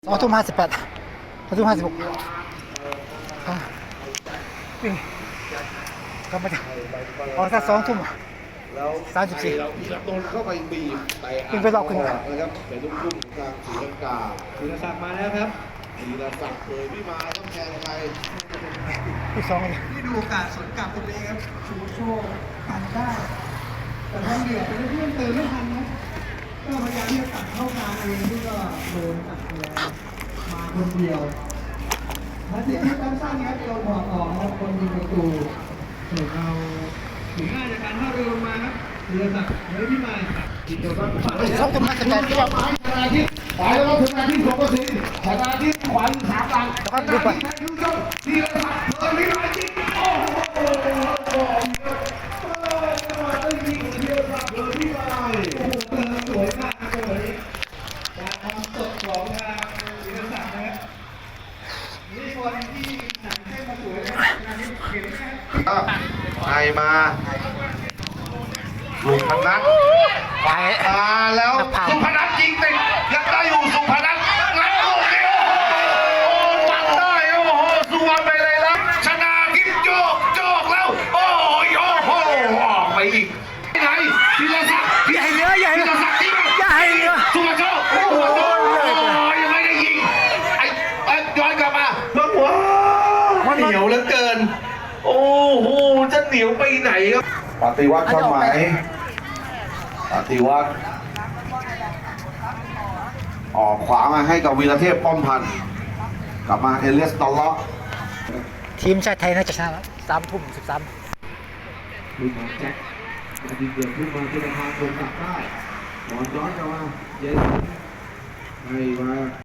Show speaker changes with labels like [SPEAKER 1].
[SPEAKER 1] 2:58 2:56ก็มาจากออกสัก2 ทุ่ม34
[SPEAKER 2] โดนเข้าไปบีบแต่
[SPEAKER 1] ขึ้นไปรอบขึ้น
[SPEAKER 2] นะครับเป็นลูกทุ่มกลางศรีลังกา
[SPEAKER 3] ธีรศักดิ์มาแล้วครับ
[SPEAKER 2] ธีรศักดิ์เผยพี่มาต้องแทงใคร
[SPEAKER 1] ที่2เลย
[SPEAKER 3] ที่ดูโอกาสสวนกลับตรงนี้ครับชูโชว์กันได้แต่ทางเหลือเป็นเพื่อนเติมไม่ทันนะก็พยายามที่จะตัดเข้ากลางเองที่ก็โดนตัดไปแล้วมาคนเดียวนาทีที่สั้นๆครับโดนหัวออกครับคนยิงประตูส่วนเราถึงง่ายจากการท่าเรือลงมาครับธีรศักดิ์เฮ้ยพี่มาอีกตัวก็
[SPEAKER 1] 2:58ที่ว่า
[SPEAKER 2] ขวาแล้วก็ถึงนาที2 สิชนะที่ขวัญสามหลัง
[SPEAKER 1] แล้วก็ดูไป
[SPEAKER 2] ธีรศักดิ์เผยพี่มาจริงโอ้โหได้ยิงธีรศักดิ์เผยพี่มา
[SPEAKER 3] โอ้โหสวยมากครับวันนี้การทำสดของทางธีรศักดิ์นะครับนี่คนที่หนังเส้นมาสวยนะงานนี้เห็นไหมครับ
[SPEAKER 2] ไอมาสุพนัทมาแล้วสุพนัทยิงติดยังได้อยู่สุพนัทแล้วลูกเดียวโอ้ปัดได้โอ้โหสุวรรณไปเลยแล้วชนะทิพย์โจกแล้วโอ้ยโอ้โหออกไปอีกไหนธีรศักดิ์ธีรศักดิ์สุวรรณโจโอ้โหยังไม่ได้ยิงไอ้ย้อนกลับมาว้าเหนียวเหลือเกินโอ้โหจะเหนียวไปไหนครับปฏิวัติช่องไหมปฏิวัติออกขวามาให้กับวีรเทพป้อมพันธ์กลับมาเอเลียสตอลเลาะ
[SPEAKER 1] ทีมชาติไทยน่าจะชนะ3:13
[SPEAKER 3] ลูกของแจ็คนาทีเกิดขึ้นมาที่ทางตรงกลับได้บอลย้อนกลับมาเย็นให้มา